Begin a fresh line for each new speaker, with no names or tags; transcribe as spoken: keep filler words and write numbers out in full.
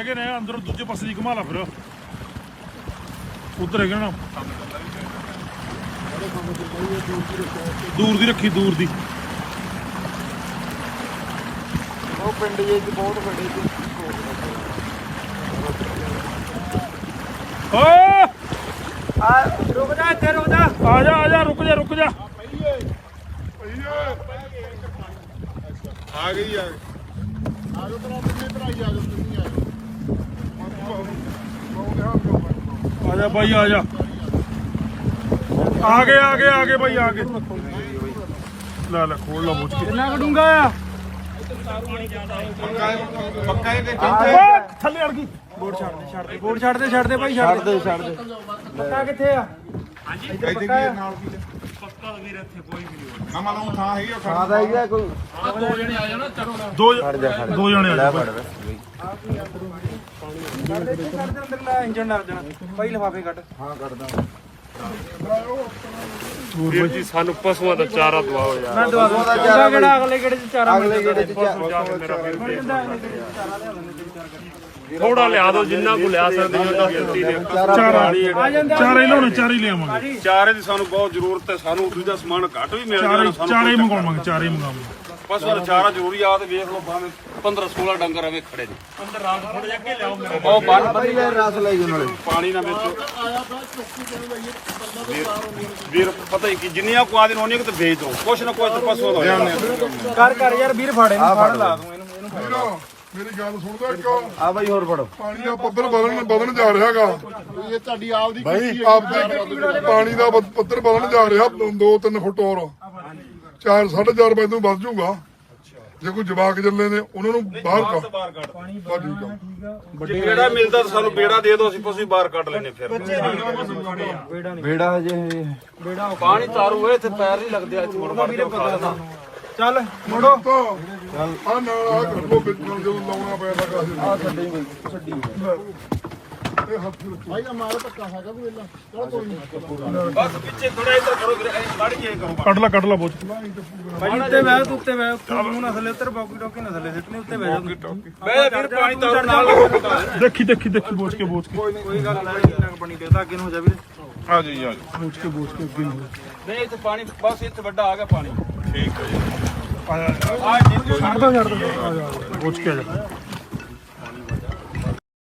ਹੈਗੇ ਨੇ ਅੰਦਰ ਦੂਜੇ ਪਾਸੇ ਦੀ ਘੁਮਾ ਲਾ ਫਿਰ ਉਧਰ ਹੈਗੇ ਨਾ ਦੂਰ ਦੀ ਰੱਖੀ ਦੂਰ ਦੀ
ਉਹ ਪਿੰਡ ਜੇ ਬਹੁਤ ਵੱਡੇ
ਓ
ਆ ਰੁਕ ਜਾ ਇੱਥੇ ਰੁਕ ਜਾ
ਆ ਜਾ ਆ ਜਾ ਰੁਕ ਜਾ ਰੁਕ ਜਾ
ਆ ਗਈ ਆ ਆ ਜੋ ਤਰਾ ਕਿੰਨੇ ਭਰਾਈ ਆ ਜੋ ਤੁਸੀਂ ਆ
ਆ ਜਾ ਬਾਈ ਆ ਜਾ ਆ ਗਏ ਆ ਗਏ ਆ ਗਏ ਬਾਈ ਆ ਗਏ ਲੈ ਲੈ ਖੋਲ ਲਾ ਬੁੱਝ ਕੇ
ਕਿੰਨਾ ਕਢੂੰਗਾ ਆ
ਪੱਕਾ ਇਹ ਤੇ
ਥੱਲੇ ਅੜ ਗਈ
ਬੋਰਡ ਛੱਡ ਦੇ ਛੱਡ ਦੇ ਬੋਰਡ ਛੱਡ ਦੇ ਛੱਡ ਦੇ ਭਾਈ ਛੱਡ ਦੇ ਛੱਡ ਦੇ ਪੱਕਾ ਕਿੱਥੇ ਆ ਹਾਂਜੀ
ਇੱਥੇ ਕੀ ਨਾਲ ਕੀ
ਪੱਕਾ ਵੀਰ ਇੱਥੇ ਕੋਈ ਵੀ ਨਹੀਂ
ਨਾ ਮਾਲੂਮ ਥਾਂ ਹੈਗੀ ਉਹ
ਹਾਂ ਦਾ ਹੈਗਾ ਕੋਈ
ਦੋ ਜਣੇ ਆ ਜਾਣਾ ਚਲੋ ਦੋ ਦੋ ਜਣੇ ਆ ਜਾ
ਛੱਡ ਦੇ ਅੰਦਰ ਲੈ ਇੰਜਨ ਡਰ ਜਾਣਾ ਭਾਈ ਲਿਫਾਫੇ ਕੱਢ ਹਾਂ ਕੱਢਦਾ
ਵੀਰ ਜੀ ਸਾਨੂੰ ਪਸ਼ੂਆਂ ਦਾ ਚਾਰਾ ਦਵਾਓ ਯਾਰ
ਮੈਂ ਦਵਾ ਦੂੰਗਾ ਚਾਰਾ ਕਿਹੜਾ ਅਗਲੇ ਗੇੜੇ ਚ ਚਾਰਾ
ਅਗਲੇ ਗੇੜੇ ਚ
ਥੋੜਾ ਲਿਆ ਦੋ ਜਿੰਨਾ ਕੋ ਲਿਆ ਸਕਦੇ ਹੋ ਤਾਂ ਗਿਣਤੀ ਦੇ ਚਾਰਾ ਚਾਰੇ ਲਿਆਉਣੇ ਚਾਰੇ ਹੀ ਲਿਆਵਾਂਗੇ
ਚਾਰੇ ਦੀ ਸਾਨੂੰ ਬਹੁਤ ਜ਼ਰੂਰਤ ਹੈ ਸਾਨੂੰ ਦੂਜਾ ਸਮਾਨ ਘੱਟ ਵੀ ਮਿਲ
ਚਾਰੇ
ਜਾਣਾ
ਚਾਰੇ ਹੀ ਮੰਗਵਾਵਾਂਗੇ ਚਾਰੇ ਹੀ ਮੰਗਵਾਵਾਂਗੇ
ਪਸ਼ੂ ਦਾ ਚਾਰਾ ਜ਼ਰੂਰੀ ਆ ਤੇ ਵੇਖ ਲਓ ਭਾਵੇਂ ਪੰਦਰਾਂ ਸੋਲਾਂ ਡੰਗਰ ਐਵੇਂ ਖੜੇ ਨੇ
ਅੰਦਰ ਰਾਤ ਥੋੜਾ ਜਿਹਾ ਅੱਗੇ ਲਿਆਓ ਮੇਰੇ
ਉਹ ਬੰਨ
ਭਾਈ ਯਾਰ ਰਸ ਲਈ ਜੂ ਨਾਲੇ
ਪਾਣੀ ਨਾ ਵਿੱਚ ਵੀਰ ਪਤਾ ਹੀ ਕਿ ਜਿੰਨੀਆਂ ਕੁ ਆਦਿਨ ਹੋਣੀ ਕਿ ਤੇ ਵੇਚ ਦੋ ਕੁਛ ਨਾ ਕੁਛ ਪਸ਼ੂ ਦਾ ਹੋ ਜਾਣਾ
ਕਰ ਕਰ ਯਾਰ ਵੀਰ ਫਾੜੇ ਨੂੰ ਫੜ ਲਾ ਦੂੰ ਇਹਨੂੰ ਇਹਨੂੰ ਫੜ
ਮੇਰੀ ਗੱਲ ਸੁਣਦਾ ਕਿਉਂ
ਆ ਬਾਈ ਹੋਰ ਫੜੋ
ਪਾਣੀ ਦਾ ਪੱਧਰ ਵਧਣ ਵਧਣ ਜਾ ਰਿਹਾ ਹੈਗਾ
ਇਹ ਤੁਹਾਡੀ ਆਪਦੀ
ਭਾਈ ਆਪਦੇ ਪਾਣੀ ਦਾ ਪ- ਪੱਧਰ ਵਧਣ ਜਾ ਰਿਹਾ ਦੋ ਤਿੰਨ ਫੁੱਟ ਹੋਰ ਚਾਰ ਸਾਢੇ ਚਾਰ ਵਜੇ ਤੋਂ ਵੱਧ ਜਾਊਗਾ ਜੇ ਕੋਈ ਜਵਾਕ ਚੱਲੇ ਨੇ ਉਹਨਾਂ ਨੂੰ ਬਾਹਰ ਕੱਢ
ਬਾਹਰ ਕੱਢ
ਬਸ ਠੀਕ ਆ
ਜੇ ਬੇੜਾ ਮਿਲਦਾ ਤਾਂ ਸਾਨੂੰ ਬੇੜਾ ਦੇ ਦਿਓ ਅਸੀਂ ਪਸ਼ੂ ਬਾਹਰ ਕੱਢ ਲੈਨੇ ਫਿਰ
ਬੇੜਾ ਹਜੇ ਬੇੜਾ
ਪਾਣੀ ਤਾਰੂ ਏ ਤੇ ਪੈਰ ਨਹੀਂ ਲੱਗਦੇ ਇੱਥੇ ਮੁੜ ਮੜ ਕੇ ਖਾਦਾ
ਚੱਲ ਮੋੜੋ
ਤਾਂ ਆ ਨਾਲ ਆ ਕਰ ਲੋ ਵਿੱਚ ਨੂੰ ਜਦੋਂ ਲਾਉਣਾ ਪਿਆ ਤਾਂ ਕਾਹਦੇ
ਆ ਛੱਡੀ ਬਈ ਛੱਡੀ
ਇਹ ਹੱਥ ਵਿੱਚ
ਭਾਈ ਦਾ ਮਾਲ ਧੱਕਾ ਹੈਗਾ ਕੋਈ ਵੇਲਾ ਚਲ ਕੋਈ ਨਹੀਂ ਬਸ ਪਿੱਛੇ ਥੋੜਾ ਇੱਧਰ ਕਰੋ ਵੀਰੇ ਕੱਢ ਜੇ ਕਰੋ
ਕੱਢ ਲਾ ਕੱਢ ਲਾ ਬੋਝ
ਭਾਈ ਉੱਤੇ ਬਹਿ ਤੂੰ ਉੱਤੇ ਬਹਿ ਤੂੰ ਨਾ ਥੱਲੇ ਉੱਤਰ ਬਾਕੀ ਟੋਕੀ ਨਾ ਥੱਲੇ ਸਿੱਟਨੇ ਉੱਤੇ ਬਹਿ ਜਾ
ਬੈ ਫਿਰ ਪਾਣੀ ਤਾਰੂ ਨਾਲ
ਦੇਖੀ ਦੇਖੀ ਦੇਖੀ ਬੋਝ ਕੇ ਬੋਝ ਕੇ
ਕੋਈ ਗੱਲ ਨਹੀਂ ਕਿੰਨਾ ਕੁ ਪਾਣੀ ਦੇਦਾ ਅੱਗੇ ਨੂੰ ਹੋ ਜਾ ਵੀਰੇ
ਆ ਜੀ ਆ ਜੀ
ਬੋਝ ਕੇ ਬੋਝ ਕੇ ਅੱਗੇ ਨੂੰ
ਨਹੀਂ ਇੱਥੇ ਪਾਣੀ ਬਸ ਇੱਥੇ ਵੱਡਾ ਆ ਗਿਆ ਪਾਣੀ ਠੀਕ ਹੈ ਜੀ
ਆ ਜਾ
ਆ ਜੀ
ਛੱਡ ਦੋ ਛੱਡ ਦੋ ਆ ਜਾ ਬੋਝ ਕੇ ਆ ਜਾ